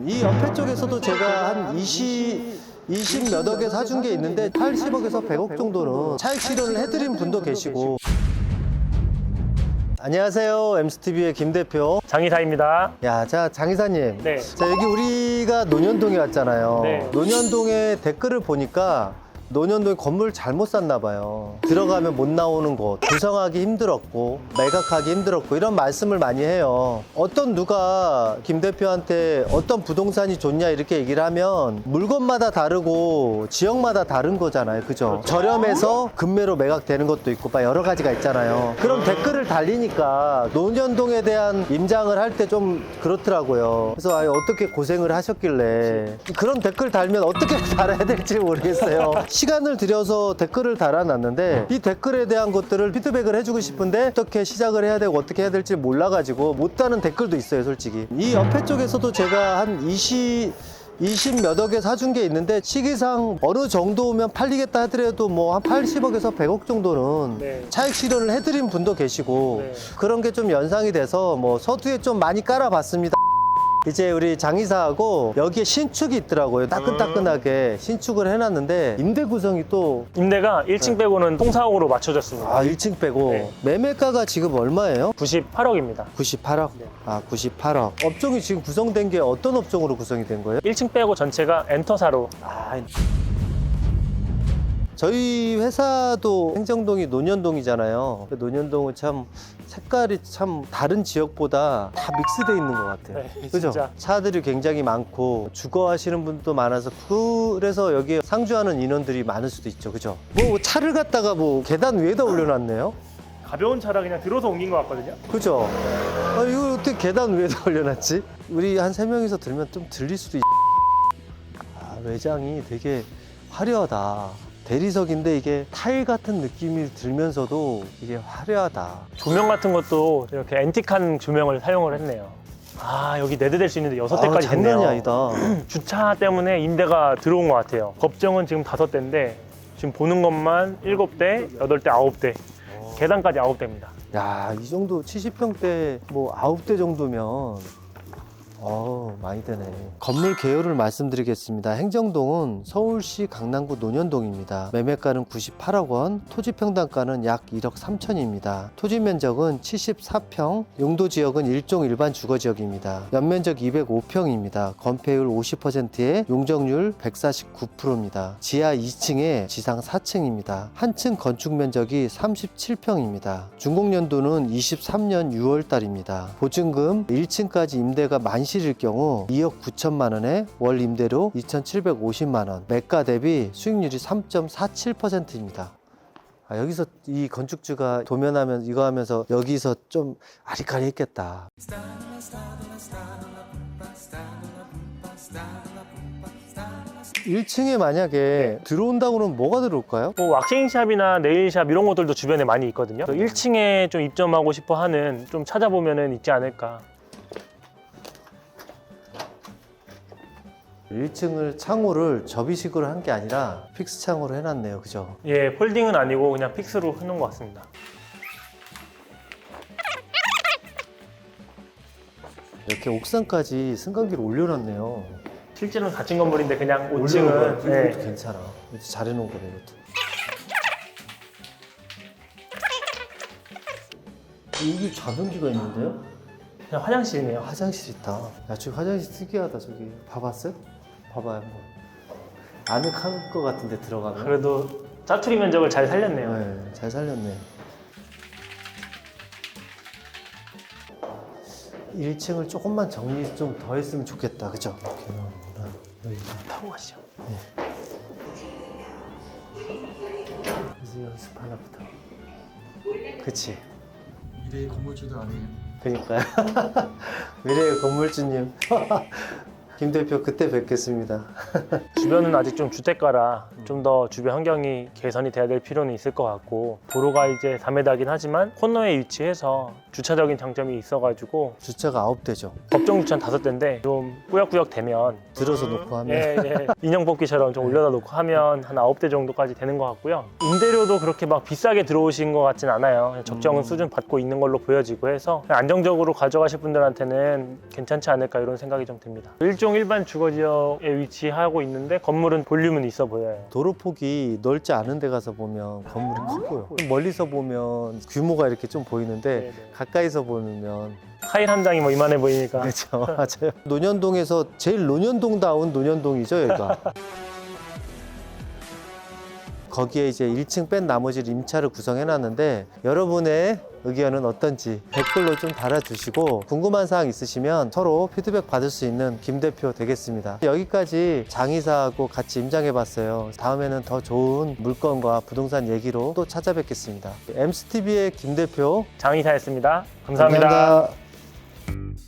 이 옆에 쪽에서도 제가 한 20 몇 억에 사준 게 있는데 80억에서 100억 정도는 차익 실현을 해드린 분도 계시고. 안녕하세요. MCTV의 김 대표. 장이사입니다. 야, 자, 장 이사님. 네. 자, 여기 우리가 논현동에 왔잖아요. 네. 논현동에 댓글을 보니까 논현동에 건물 잘못 샀나 봐요. 들어가면 못 나오는 곳, 구성하기 힘들었고 매각하기 힘들었고 이런 말씀을 많이 해요. 어떤 누가 김 대표한테 어떤 부동산이 좋냐 이렇게 얘기를 하면 물건마다 다르고 지역마다 다른 거잖아요. 그죠? 저렴해서 급매로 매각되는 것도 있고 막 여러 가지가 있잖아요. 그럼 댓글을 달리니까 논현동에 대한 임장을 할 때 좀 그렇더라고요. 그래서 어떻게 고생을 하셨길래 그런 댓글 달면 어떻게 달아야 될지 모르겠어요. 시간을 들여서 댓글을 달아놨는데 이 댓글에 대한 것들을 피드백을 해주고 싶은데 어떻게 시작을 해야 되고 어떻게 해야 될지 몰라가지고 못 다는 댓글도 있어요, 솔직히. 이 옆에 쪽에서도 제가 한 20 몇 억에 사준 게 있는데 시기상 어느 정도면 팔리겠다 하더라도 뭐 한 80억에서 100억 정도는 네. 차익 실현을 해드린 분도 계시고 네. 그런 게 좀 연상이 돼서 뭐 서두에 좀 많이 깔아봤습니다. 이제 우리 장이사하고 여기에 신축이 있더라고요. 따끈따끈하게 신축을 해놨는데 임대 구성이 또 임대가 1층 빼고는 통사옥으로 맞춰졌습니다. 1층 빼고 네. 매매가가 지금 얼마예요? 98억입니다. 98억? 네. 98억. 업종이 지금 구성된 게 어떤 업종으로 구성이 된 거예요? 1층 빼고 전체가 엔터사로. 저희 회사도 행정동이 논현동이잖아요. 논현동은 참 색깔이 참 다른 지역보다 다 믹스되어 있는 것 같아요. 네, 그죠? 진짜. 차들이 굉장히 많고 주거 하시는 분도 많아서 그래서 여기에 상주하는 인원들이 많을 수도 있죠. 그죠? 뭐 차를 갖다가 뭐 계단 위에다 올려놨네요. 가벼운 차라 그냥 들어서 옮긴 것 같거든요. 그죠? 이거 어떻게 계단 위에다 올려놨지? 우리 한 3명이서 들면 좀 들릴 수도 외장이 되게 화려하다. 대리석인데 이게 타일 같은 느낌이 들면서도 이게 화려하다. 조명 같은 것도 이렇게 앤틱한 조명을 사용을 했네요. 여기 4대 될 수 있는데 6대까지 장난이 됐네요. 아니다. 주차 때문에 임대가 들어온 것 같아요. 법정은 지금 5대인데 지금 보는 것만 7대, 8대, 9대. 계단까지 9대입니다. 야, 이 정도 70평대 뭐 9대 정도면 많이 되네. 건물 개요를 말씀드리겠습니다. 행정동은 서울시 강남구 논현동입니다. 매매가는 98억 원, 토지 평당가는 약 1억 3천입니다. 토지 면적은 74평, 용도 지역은 일종 일반 주거 지역입니다. 연면적 205평입니다. 건폐율 50%에 용적률 149%입니다. 지하 2층에 지상 4층입니다. 한 층 건축 면적이 37평입니다. 준공연도는 23년 6월 달입니다. 보증금 1층까지 임대가 만실일 경우 2억 9천만 원에 월 임대료 2,750만 원, 매가 대비 수익률이 3.47%입니다. 여기서 이 건축주가 도면하면 이거 하면서 여기서 좀 아리까리 했겠다. 1층에 만약에 들어온다고 그러면 뭐가 들어올까요? 뭐 왁싱샵이나 네일샵 이런 것들도 주변에 많이 있거든요. 1층에 좀 입점하고 싶어 하는 좀 찾아보면은 있지 않을까. 1층을 창호를 접이식으로 한 게 아니라 픽스 창호로 해놨네요. 그죠? 예, 폴딩은 아니고 그냥 픽스로 해놓은 것 같습니다. 이렇게 옥상까지 승강기를 올려놨네요. 실제로는 닫힌 건물인데 그냥 올려놓은 5층은 거야. 이것도 괜찮아. 이것도 잘해놓은 거네, 이것도. 여기 자변기가 있는데요? 그냥 화장실이네요. 화장실 있다. 야, 저기 화장실 특이하다. 저기 봐봤어요? 봐봐요 한번. 아늑한 것 같은데 들어가면. 그래도 짜투리 면적을 잘 살렸네요. 네, 잘 살렸네. 1층을 조금만 정리 좀 더 했으면 좋겠다. 그죠? 여기 타고 가시죠. 이제 연습 하나부터. 그치? 미래의 건물주도 아니에요. 그니까요. 미래의 건물주님. 김 대표 그때 뵙겠습니다. 주변은 아직 좀 주택가라 좀 더 주변 환경이 개선이 돼야 될 필요는 있을 것 같고, 도로가 이제 4m긴 하지만 코너에 위치해서 주차적인 장점이 있어가지고 주차가 9대죠. 법정 주차는 5대인데 좀 꾸역꾸역 되면 들어서 놓고 하면 예. 인형 뽑기처럼 좀 올려다 놓고 하면 한 9대 정도까지 되는 것 같고요. 임대료도 그렇게 막 비싸게 들어오신 것 같진 않아요. 그냥 적정 수준 받고 있는 걸로 보여지고 해서 그냥 안정적으로 가져가실 분들한테는 괜찮지 않을까 이런 생각이 좀 듭니다. 일종 일반 주거지역에 위치하고 있는데 건물은 볼륨은 있어 보여요. 도로 폭이 넓지 않은 데 가서 보면 건물이 커 보여. 멀리서 보면 규모가 이렇게 좀 보이는데 네네. 가까이서 보면 타일 한 장이 뭐 이만해 보이니까. 그렇죠. 맞아요. 논현동에서 제일 논현동다운 논현동이죠, 여기가. 거기에 이제 1층 뺀 나머지를 임차를 구성해 놨는데 여러분의 의견은 어떤지 댓글로 좀 달아주시고 궁금한 사항 있으시면 서로 피드백 받을 수 있는 김 대표 되겠습니다. 여기까지 장이사하고 같이 임장해 봤어요. 다음에는 더 좋은 물건과 부동산 얘기로 또 찾아뵙겠습니다. 엠스TV의 김 대표 장이사였습니다. 감사합니다. 감사합니다.